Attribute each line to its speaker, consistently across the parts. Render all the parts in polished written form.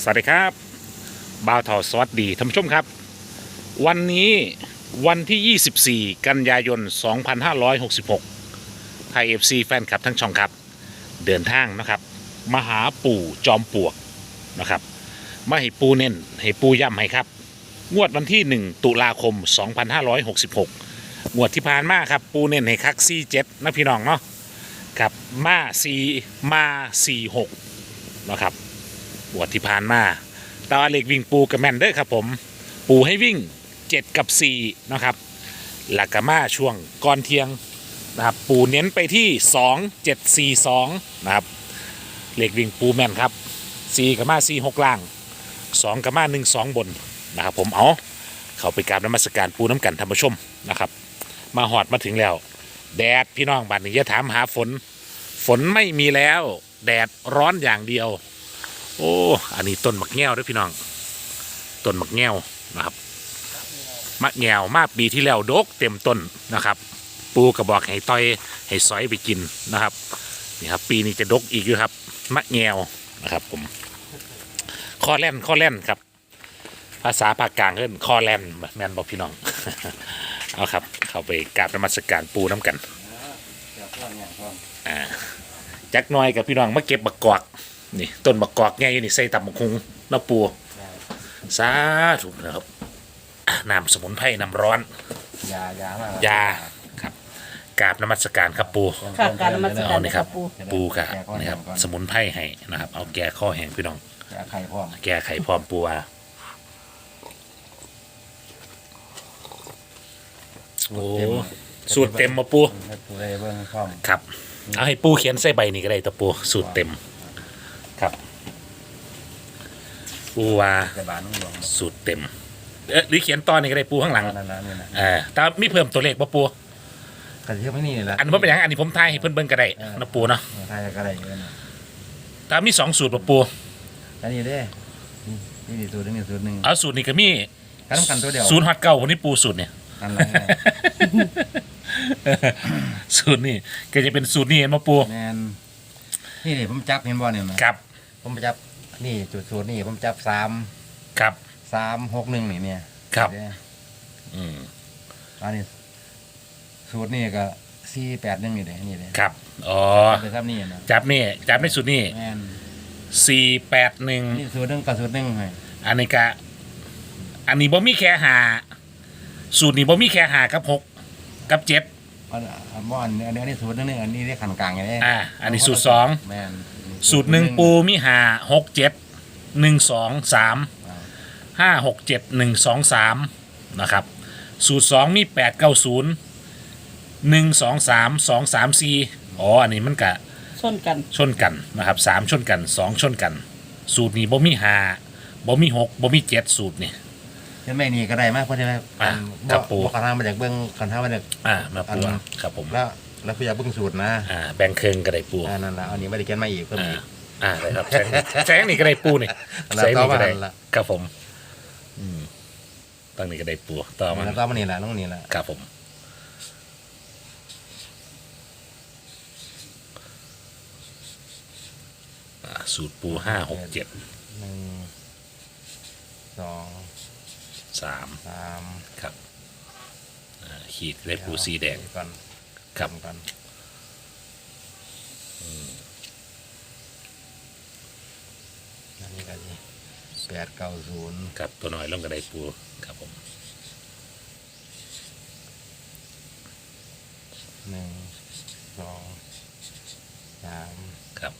Speaker 1: สวัสดีครับบ่าวทอสวัสดีท่านผู้ชมครับวันนี้วันที่ 24 กันยายน 2566 ไทย FC แฟนคลับทั้งช่องครับเดินทางนะครับมาหาปู่จอมปลวกนะครับมาให้ปูเน้นให้ปูย้ำให้ครับงวดวันที่ 1 ตุลาคม 2566 งวดที่ผ่านมาครับปูเน้นให้คัก47นะพี่น้องเนาะกับมา4มา46นะครับงวดที่ผ่านมาตาเล็กวิ่งปูกับแมนเดอร์ครับผมปูให้วิ่ง7กับ4นะครับหลักกมาช่วงก่อนเที่ยงนะครับปูเน้นไปที่2 7 4 2นะครับเล็กวิ่งปูแมนครับ4กับมา4 6ล่าง2กับมา1 2บนนะครับผมเอาเข้าไปกราบนมัสการปูน้ำกันท่านผู้ชมนะครับมาหอดมาถึงแล้วแดดพี่น้องบัดนี้อย่าถามหาฝนไม่มีแล้วแดดร้อนอย่างเดียวโอ้อันนี้ต้นมะแง่วด้วยพี่น้องต้นมะแง่วนะครับมะแง่วมาปีที่แล้วดกเต็มต้นนะครับปูกระบอกให้ต้อยให้ซอยไปกินนะครับนี่ครับปีนี้จะดกอีกอยู่ครับมะแง่วนะครับผมคอแล่นครับภาษาภาคกลางเอิ้นคอแล่นแมนบอกพี่น้อง เอาครับเข้าไปกราบนมัสการปูน้ำกันจักหน่อยกับพี่น้องมาเก็บบักกอกนี่ต้นบักกอกไงนี่ใส่ตับบักคุงน้ำปูสาธุนะครับน้ำสมุนไพรน้ำร้อนยาครับกราบนมัสการครับปู
Speaker 2: ค่ะการนมัสการ
Speaker 1: นี่ครับปูกะนี่ครับสมุนไพรให้นะครับเอาแก้ข้อแห้งพี่น้องแก้ไข่พร้อมปูโอ้สูตรเต็มมาปูครับเอาให้ปูเขียนใส่ใบนี่ก็ได้ตะปูสูตรเต็มครับปูว่าสูตรเต็มหรือเขียนตอนนี้ก็ได้ปูข้างหลังแต่มีเพิ่มตัวเลขปะปู
Speaker 3: กันที่ไม่นี่แหละ
Speaker 1: อันนี้ผมเป็นอย่างอันนี้ผมทายให้เพิ่นเบิ่งก็ได้นะปูเนาะ
Speaker 3: ทายก็ได้
Speaker 1: แต่มี2สูตรปะปู
Speaker 3: อันนี้เด้นี่สูตรนึงสูตรนึง
Speaker 1: เอาสูตรนี้ก็มี
Speaker 3: กันตัวเดียว
Speaker 1: 0 ฮอต9วันนี้ปูสูตรเนี่ยสูตรนี่ก็จะเป็นสูตรนี่เห็นปะปู
Speaker 3: แมนนี่ผมจับเห็นบ่เนี่ย
Speaker 1: ครับ
Speaker 3: ผมจับนี่สูตรนี่ผมจับ3
Speaker 1: ครับ
Speaker 3: 3 6 1นี่เนี่ย
Speaker 1: ครับ
Speaker 3: อันนี้สูตรนี่ก็4 8 1นี่เด้นี่เด้
Speaker 1: ครับอ๋อ
Speaker 3: ไปทำนี่นะ
Speaker 1: จับในสูตรนี่
Speaker 3: แม่น
Speaker 1: 481
Speaker 3: นี่สูตรนึงกับสูตรนึงให้
Speaker 1: อันนี้ก็อันนี้บ่มีแค่หาสูตรนี้บ่มีแค่หากับ6กับ7
Speaker 3: อันนี้สูตรนึงอันนี้เรียกขันกลางไง
Speaker 1: อันนี้สูตร2
Speaker 3: แม่น
Speaker 1: สูตร1ปูมีหา6 7 1 2 3 5 6 7 1 2 3นะครับสูตร2มี8 9 0 1 2 3 2 3 4อ๋ออันนี้มันกะ
Speaker 2: ชนกัน
Speaker 1: นะครับ3ชนกัน2ชนกันสูตรนี้บ่มี5บ่มี6บ่มี7สูตรนี่
Speaker 3: ยังไม่นี่ก็ได้มากเพราะใช่ไหม
Speaker 1: ครับปู
Speaker 3: ขันทางมาจากเบื้องขันทางมาจาก
Speaker 1: มาปูครับผม
Speaker 3: แล้วพี่อยากเบื้องสูตรนะ
Speaker 1: แบ่งเครื่องก็ได้ปู
Speaker 3: นั่นแหละอันนี้ไม่ได้เขียนมาอีกเพิ่มอีก
Speaker 1: ได้ครับแสงนี่ก็ได้ปูนี่แสงนี่ก็ได้ครับผมตั้งนี่ก็ได้ปูต่อมา
Speaker 3: แล้วก็มันนี่แหละต้องนี่แหละ
Speaker 1: ครับผมสูตรปู5 6 7
Speaker 3: 1 2 3
Speaker 1: ครับขีดได้ปูสีแดง
Speaker 3: ก่อน
Speaker 1: ครับ
Speaker 3: อันนี้ก็ดี8 9 0
Speaker 1: ครับตัวน้อยลงก็ได้ปูครับผม
Speaker 3: 1 2 3
Speaker 1: ครับ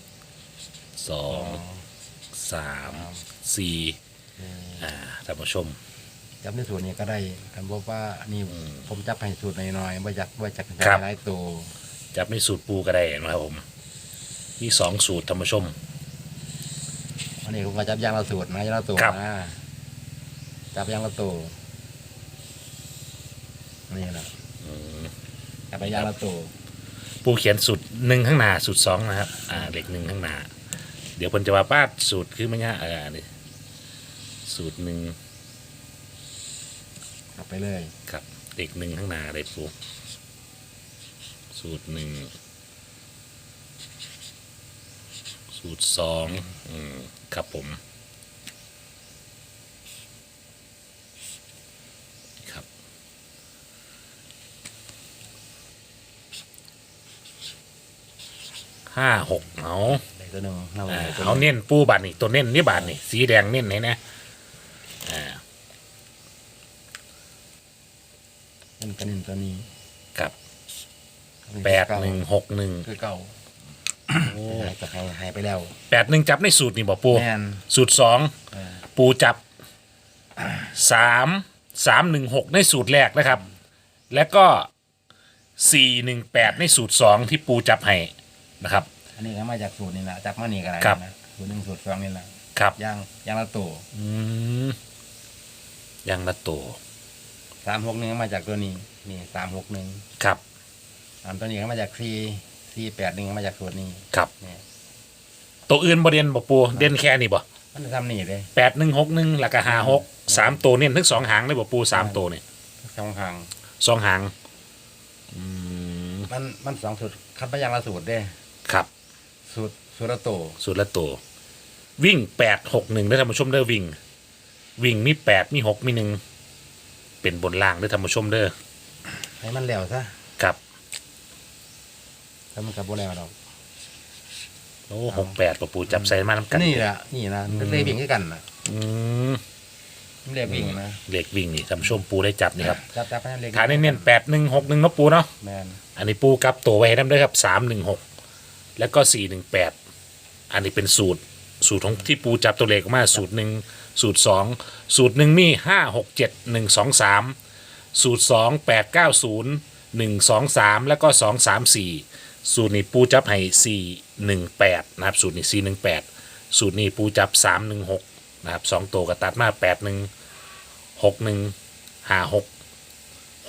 Speaker 1: 2 3 4ท่านผู้ชม
Speaker 3: จับในสูตรนี้ก็ได้กันบอกว่านี่ผมจับให้สูตรหน่อยๆว่าจากหลายตัว
Speaker 1: จับในสูตรปูก็ได้นะครับผมมี2สูตรท่านผู้ชม
Speaker 3: อันนี้ผมก็จับยางละสูตรนะยางละตัวนะจับยางละตัวนี่แหละจับไปยางละตัว
Speaker 1: ปูเขียนสูตร1ข้างหน้าสูตร2นะครับเด็ก1ข้างหน้าเดี๋ยวผมจะว่าป้าสูตรคือไม่ง่ายนี่สูตร1
Speaker 3: ไปเลย
Speaker 1: ครับเด็ก1ข้างหน้าได้ปูสูตร1สูตร2ครับผม 5 6เอา
Speaker 3: ได้ตัวหนึ่งเอาไว้ตัวห
Speaker 1: เอา
Speaker 3: นึ่ง
Speaker 1: เน้นปูบาทนี่ตัวเน้นนี่บาทนี่สีแดงเน้นไหนนะอ่า
Speaker 3: นั่นก็หนึ่งตัวนี้
Speaker 1: กับ
Speaker 3: คือ
Speaker 1: 8161
Speaker 3: เก่า
Speaker 1: โอ้
Speaker 3: จะหายไปแล้ว
Speaker 1: 81จับในสูตรนี่บ่ปู
Speaker 3: แม่น
Speaker 1: สูตร
Speaker 3: เออ
Speaker 1: 2ปูจับ3 3 1 6ในสูตรแรกนะครับ แล้วก็4 1 8ในสูตร 2 ที่ปูจับให้นะครับ
Speaker 3: อันนี้ก็มาจากสูตรนี่แหละจับมานี่ก็ได้
Speaker 1: ครับ
Speaker 3: นะสูตรหนึ่งสูตรสองนี่แหละ
Speaker 1: ครับ
Speaker 3: ย่างละตัว
Speaker 1: อืมยังละตัว
Speaker 3: 361มาจากตัวนี้นี่361
Speaker 1: ครับ
Speaker 3: อันตัวนี้ก็มาจาก481ก็มาจากสูตรนี้
Speaker 1: ครับ
Speaker 3: เนี่ย
Speaker 1: ตัวอื่นบ่เด่นบ่ปูเด่นแค่นี้บ่
Speaker 3: มันจะทำนี่เลย
Speaker 1: 8161แล้วก็56 3ตัวเน้นทั้งสองหางเลยบ่ปู3ตัวนี่
Speaker 3: สองทาง
Speaker 1: สองหางอืม
Speaker 3: มันสองสูตรคัดมาอย่างละสูตรเด้
Speaker 1: ครับ
Speaker 3: สูตรละตัว
Speaker 1: สูตรละตัววิ่ง8 6 1ได้อท่านผู้ชมเด้อวิ่งมี8มี6มี1เป็นบนล่างได้อท่านผู้ชมเด้อ
Speaker 3: ให้มันแล้วซะ
Speaker 1: ครับ
Speaker 3: ถ้ามันกลับบ่แล้วดอก
Speaker 1: โอ้68บ่ปูจับใส่มานำกัน
Speaker 3: นี่แหละนี่นะมันเลยวิ่งด้วยกันนะ
Speaker 1: อืม
Speaker 3: มันเลยวิ่งนะ
Speaker 1: เลขวิ่งนี่ท่านผู้ชมปูได้จับนี่ครับ
Speaker 3: จับให้มันเลย
Speaker 1: ฐานเน้นๆ8161เนาะปูเนาะ
Speaker 3: แมน
Speaker 1: อันนี้ปูกลับตัวไว้ให้นำด้วยครับ316แล้วก็418อันนี้เป็นสูตรของที่ปูจับตัวเลขออกมาสูตร1สูตร2สูตร1มี567 123สูตร2 890 123แล้วก็234สูตรนี้ปูจับให้418นะครับสูตรนี้418สูตรนี้ปูจับ316นะครับ2ตัวก็ตัดมา81 61 56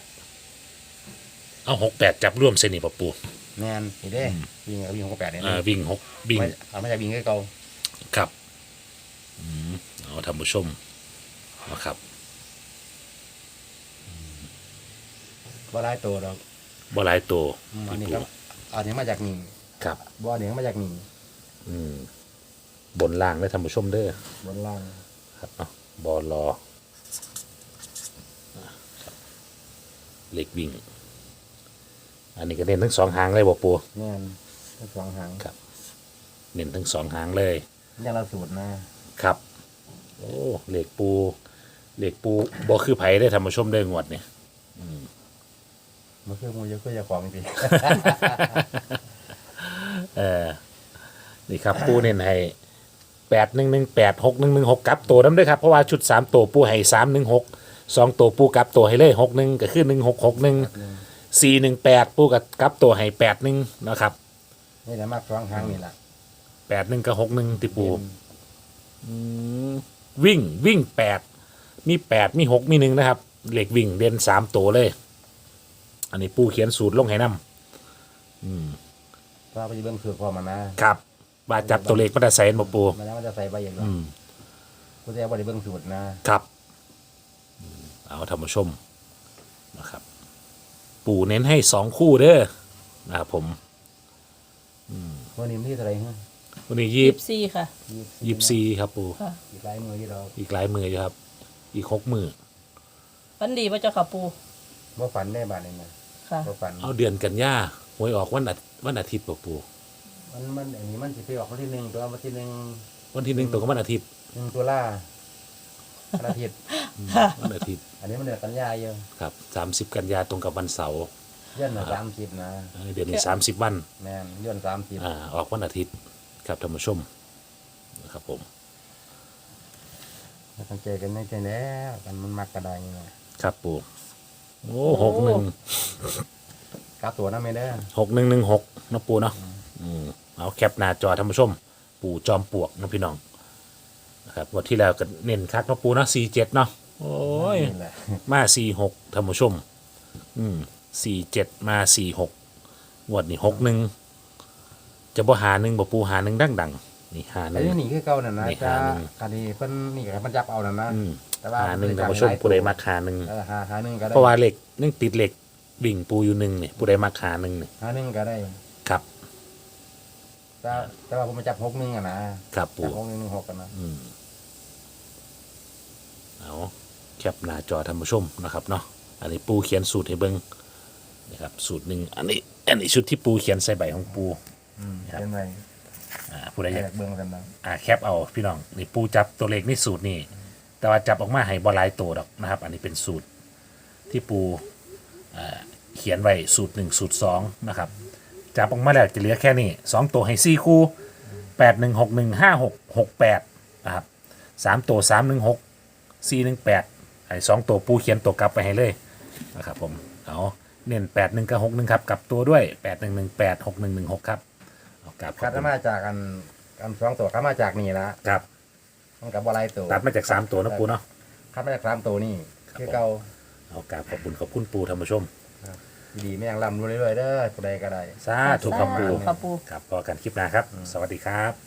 Speaker 1: 68เอา68จับร่วมเส้นนี่ปะปู
Speaker 3: แมนนี่เด้วิ่งวิ่งของ8เนี่ย
Speaker 1: วิ่งวิ่ง
Speaker 3: เอามาจากวิ่งเก่า
Speaker 1: ครับเอาท่านผู้ชมนะครับ
Speaker 3: บ่ได้ตัวดอก
Speaker 1: บ่หลายตัว
Speaker 3: อันนี้ก็อันนี้มาจากนี่
Speaker 1: ครับ
Speaker 3: บ่อันนี้มาจากนี่
Speaker 1: บนล่างได้ท่านผู้ชมเด้อบ
Speaker 3: นล่าง
Speaker 1: ครับเนาะบอลอเหล็กวิ่ง อันนี้ก็เน้นทั้งสองหางเลยบ่ปู
Speaker 3: แมนทั้งสองหาง
Speaker 1: ครับ เน้นทั้งสองหางเลย
Speaker 3: อย่างละสูตรนะครับ
Speaker 1: โอ้เหล็กปูบ่คือไผได้ท่านผู้ชมได้งวดเนี่ย
Speaker 3: มันคือมูเยอะก็จะของจริง
Speaker 1: นี่ครับ ปูเน้นให้8118 6116กลับตัวน้ำด้วยครับเพราะว่าชุด3ตัวปูให้316 2ตัวปูกลับตัวให้เลย61ก็คือ1661 418ปูกลับตัวให้81นะครับ
Speaker 3: นี่แหละมากสองหางนี่แหละ
Speaker 1: 81กับ61ติปูวิ่ง8มี8มี6มี1นะครับเหล็กวิ่งเด่น3ตัวเลย อันนี้ปูเขียนสูตรลงให้นำ
Speaker 3: ถ้าไปเบิ่งสูตรพอมานะครับ
Speaker 1: ว่าจับตัวเลขมันจะใส่บ่ปู
Speaker 3: มันแล้วมันจะใส่ใบอย่างนี้กูจะเอาไปเบิ่งสูตรนะครับ
Speaker 1: เอาท่านผู้ชมนะครับ ปู่เน้นให้2คู่เด้อนะครับผม
Speaker 3: วันนี้มันที่เท่าไหร่ฮะ
Speaker 1: วันนี้
Speaker 2: 14ค่ะ
Speaker 1: 24ครับปู่
Speaker 2: ค่ะ
Speaker 3: อีกหลายมือที่เรา
Speaker 1: อีกหลายมืออยู่ครับ อีก6มือ
Speaker 2: ฝันดีป่ะเจ้าค่ะปู
Speaker 3: บ่ฝันได้บาดนี้นะ
Speaker 2: ค่ะ
Speaker 3: บ่ฝัน
Speaker 1: เอาเดือนกันยาหวยออกวันอาทิตย์ป่ะปู่
Speaker 3: มันอันนี้มันสิไปออกวันที่1ตัววันที่
Speaker 1: วันที่1ตรงกับวันอาทิตย์
Speaker 3: 1ตุลาวันอาทิตย์
Speaker 1: วันอาทิตย์
Speaker 3: อันนี้มันเดือนกันยายน
Speaker 1: ครับ30กันยาตรงกับวันเสาร์
Speaker 3: ย้อน30นะ
Speaker 1: เดือนนี้30วัน
Speaker 3: แม่นย้อน30
Speaker 1: ออกวันอาทิตย์ครับท่านผู้ชมนะครับผม
Speaker 3: ตั้งใจกันไม่ใจแล้วกันมันมักกระไดนี่นะครับ
Speaker 1: ปู่โอ้
Speaker 2: โอ้
Speaker 3: กลับตัวนะไม่ได้อ
Speaker 1: 6116นะปู่เนาะเอาแคปหน้าจอท่านผู้ชม ปู่จอมปลวกนะพี่น้องนะครับงวันที่แล้วก็เน้นคักนะปู่เนาะ47เนาะโอ้ย
Speaker 3: นี่แหละ
Speaker 1: มา46ท่านผู้ชม47มา46งวดนี้61จะบ่หาหนึ่งบ่ปู่หาหนึ่งดังๆนี่หาห
Speaker 3: อัน
Speaker 1: นึ่ง
Speaker 3: นี้คือเก่านั่นนะ
Speaker 1: นี่
Speaker 3: จ้า
Speaker 1: หาหนึ่ง
Speaker 3: คันนี้เพิ่นนี่ก็ให้มันจับเอานั่นนะ แต่ว่า
Speaker 1: หาหนึ่งท่านผู้ชมผู้ใดมาหาหนึ่ง
Speaker 3: หาหนึ่งก็ได้
Speaker 1: เพราะว่าเหล็กนึ่งติดเหล็กบิ่งปูอยู่หนึ่งเนี่ยผู้ใดมาหาหนึ่งเนี่ย
Speaker 3: หาหนึ่งก็ได้
Speaker 1: ครับ
Speaker 3: แต่ว่าผมมาจับ61อ่ะนะครับ
Speaker 1: ปู่
Speaker 3: จับ6116กันนะ
Speaker 1: เอาแคปหน้าจอท่านผู้ชมนะครับเนาะอันนี้ปูเขียนสูตรให้เบิ้งนะครับสูตรหนึ่งอันนี้ชุดที่ปูเขียนใส่ใบของปูครับ
Speaker 3: เป็นไง
Speaker 1: ผู้ใดอยาก
Speaker 3: เบื้องกันบ้าง
Speaker 1: แคปเอาพี่น้องนี่ปูจับตัวเลขในสูตรนี่แต่ว่าจับออกมาให้บอลายตัวดอกนะครับ อันนี้เป็นสูตรที่ปูเขียนไว้สูตร1สูตร2นะครับจับออกมาแล้วจะเหลือแค่นี้2ตัวให้4คู่81615668นะครับ3ตัว316 418ไอ้2ตัวปูเขียนตัวกลับไปให้เลยนะครับผมเอาเน้น81กับ61ครับกลับตัวด้วย8118 6116ครับเอากลับขอบ
Speaker 3: คัด
Speaker 1: คุณ
Speaker 3: มาจากอันสองตัวคัดมาจากนี่ละ
Speaker 1: ครับ
Speaker 3: มันกับบอลไลตัว
Speaker 1: ตัดมาจาก3ตัวนะปูเนาะ
Speaker 3: คัดมาจากสามตัวนี่คือเก่า
Speaker 1: เอากราบขอบคุณปูท่านผู้ชม
Speaker 3: ดีไม่ยังลำรู้เรื่อยๆเด้อตัวใดก็ได้
Speaker 1: สาธุครับปู
Speaker 2: ค่ะปู
Speaker 1: ครับพอกันคลิปหน้าครับ สวัสดีครับ